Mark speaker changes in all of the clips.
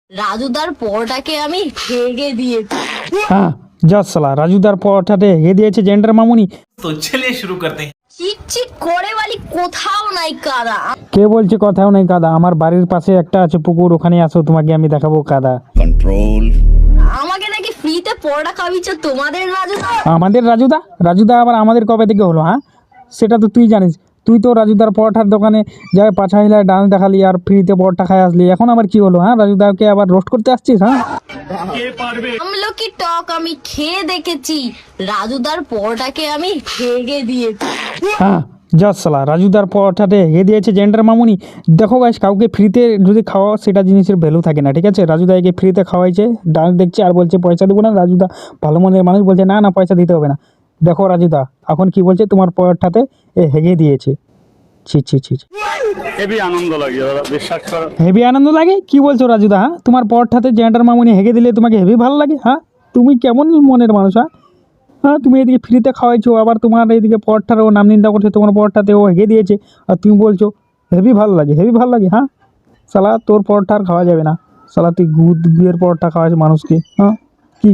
Speaker 1: রাজুদার পরোটাকে আমি হেগে দিয়েছি।
Speaker 2: হ্যাঁ যা সালা রাজুদার পরোটাতে হেগে দিয়েছে জেন্ডার মামুনি।
Speaker 3: तो चलिए शुरू करते हैं।
Speaker 1: চিকচিক করে বলি কোথাও নাই কাদা।
Speaker 2: কে বলছে কথাও নেই কাদা? আমার বাড়ির পাশে একটা আছে পুকুর, ওখানে আসো তোমাকে আমি দেখাবো কাদা।
Speaker 4: कंट्रोल।
Speaker 1: আমাকে নাকি ফ্রিতে পরোটা খাওয়াচ্ছ তোমাদের রাজুদা।
Speaker 2: আমাদের রাজুদা? রাজুদা আবার আমাদের কবে থেকে হলো? হ্যাঁ সেটা তো তুই জানিস। তুই তো রাজুদার পরোটার দোকানে যাই পাঁচা হিলায় ডান্স দেখালি আর ফ্রিতে পরোটা খাই আসলি, এখন আবার কি হলো? হ্যাঁ রাজুদাকে আবার রোস্ট করতে আসছিস? হ্যাঁ
Speaker 1: আমলকি টক আমি খেয়ে দেখেছি, রাজুদার পরোটাকে আমি হেগে দিয়েছি।
Speaker 2: হ্যাঁ যা সালা রাজুদার পরোটাতে হেগে দিয়েছে জেন্ডার মামুনি। দেখো গাইস, কাউকে ফ্রিতে যদি খাওয়া সেটা জিনিসের ভ্যালু থাকে না, ঠিক আছে? রাজুদা একে ফ্রিতে খাওয়াইছে, ডান্স দেখছে আর বলছে পয়সা দেবো না। রাজুদা ভালো মনের মানুষ, বলছে না না পয়সা দিতে হবে না। দেখো রাজুদা এখন কি বলছে, তোমার পরোটাতে এ হেগে দিয়েছে। ছি ছি ছি ছি।
Speaker 5: হেভি আনন্দ লাগে দাদা, বিশ্বাস করো।
Speaker 2: হেভি আনন্দ লাগে? কি বলছো রাজুদা? হ্যাঁ তোমার পরোটাতে জেন্ডার মামুনি হেগে দিলে তোমাকে হেভি ভালো লাগে? হ্যাঁ তুমি কেমন মনের মানুষ? হ্যাঁ তুমি এদিকে ফ্রিতে খাওয়াইছো, আবার তোমার এইদিকে পরোটার ও নাম নিন্দা করছে, তোমার পরোটাতে ও হেগে দিয়েছে আর তুমি বলছো হেভি ভালো লাগে, হেভি ভালো লাগে। হ্যাঁ সালা তোর পরোটা আর খাওয়া যাবে না সালা, তুই গুয়ের পরোটা খাওয়াস মানুষকে। হ্যাঁ কি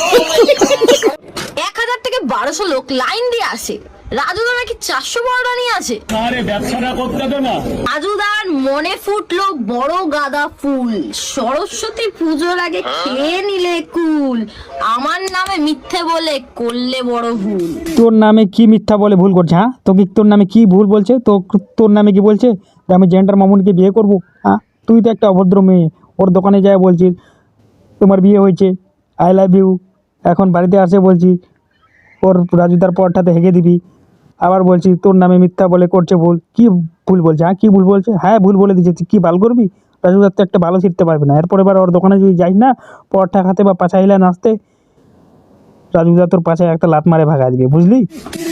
Speaker 1: 1000 থেকে 1200 লোক লাইন দিয়ে আসে, রাজুদা নাকি 400 পরোটা নিয়ে আসে।
Speaker 5: ব্যবসাটা করতে দে না।
Speaker 1: রাজুদার মনে ফুটলো বড় গাঁদা ফুল, সরস্বতী পুজোর আগে খেয়ে নিলে কুল, আমার নামে মিথ্যে বলে করলে বড় ভুল।
Speaker 2: তোর নামে কি মিথ্যা বলে ভুল করছে? হ্যাঁ তোকে তোর নামে কি ভুল বলছে? তো তোর নামে কি বলছে যে আমি জেন্ডার মামুনিকে বিয়ে করবো? হ্যাঁ তুই তো একটা অভদ্র মেয়ে, ওর দোকানে যায় বলছিস তোমার বিয়ে হয়েছে, আই লাভ ইউ, এখন বাড়িতে আসে বলছি ওর রাজুদার পরোটাতে হেগে দিবি, আবার বলছি তোর নামে মিথ্যা বলে করছে ভুল। কি ভুল বলছে? হ্যাঁ কি ভুল বলছে? হ্যাঁ ভুল বলে দিচ্ছে, কি ভালো করবি? রাজুদার তো একটা ভালো শিখতে পারবে না, এরপর এবার ওর দোকানে যদি যাই না পরোটা খাতে বা পাছা হিলা নাচতে, রাজুদা তোর পাছায় একটা লাত মারে ভাগা দিবে, বুঝলি?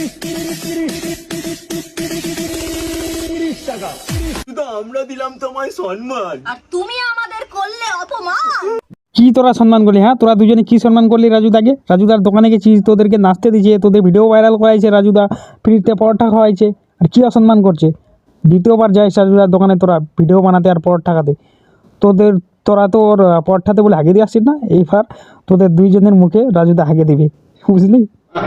Speaker 1: আর তুমি আমাদের করলে অপমান।
Speaker 2: কি তোরা সম্মান করলি? হ্যাঁ তোরা দুজনে কি সম্মান করলি রাজুদাকে? রাজুদার দোকানে গেছিস, তোদেরকে নাচতে দিয়েছে, তোদের ভিডিও ভাইরাল করাইছে, রাজুদা ফ্রিতে পরোটা খাওয়াইছে, আর কি অসম্মান করছে? দ্বিতীয়বার যাইস রাজুদার দোকানে তোরা ভিডিও বানাতে আর পরোটা খাতে, তোরা তো ওর পরোটাতে বলে হাগে দিয়ে আসছিস না, এইবার তোদের দুইজনের মুখে রাজুদা হাগে দিবে, বুঝলি?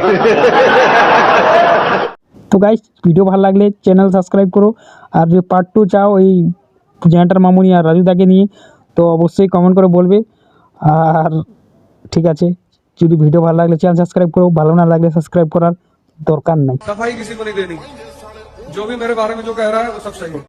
Speaker 2: তো গাইস ভিডিও ভালো লাগলে চ্যানেল সাবস্ক্রাইব করো, আর যে পার্ট 2 চাও এই জেন্টার মামুনি আর রাজুদাকে নিয়ে, তো অবশ্যই কমেন্ট করে বলবে। আর ঠিক আছে, যদি ভিডিও ভালো লাগলে চ্যানেল সাবস্ক্রাইব করো, ভালো না লাগলে সাবস্ক্রাইব করার দরকার নাই।
Speaker 6: सफाई किसी को नहीं देनी, जो भी मेरे बारे में जो कह रहा है वो सब सही है।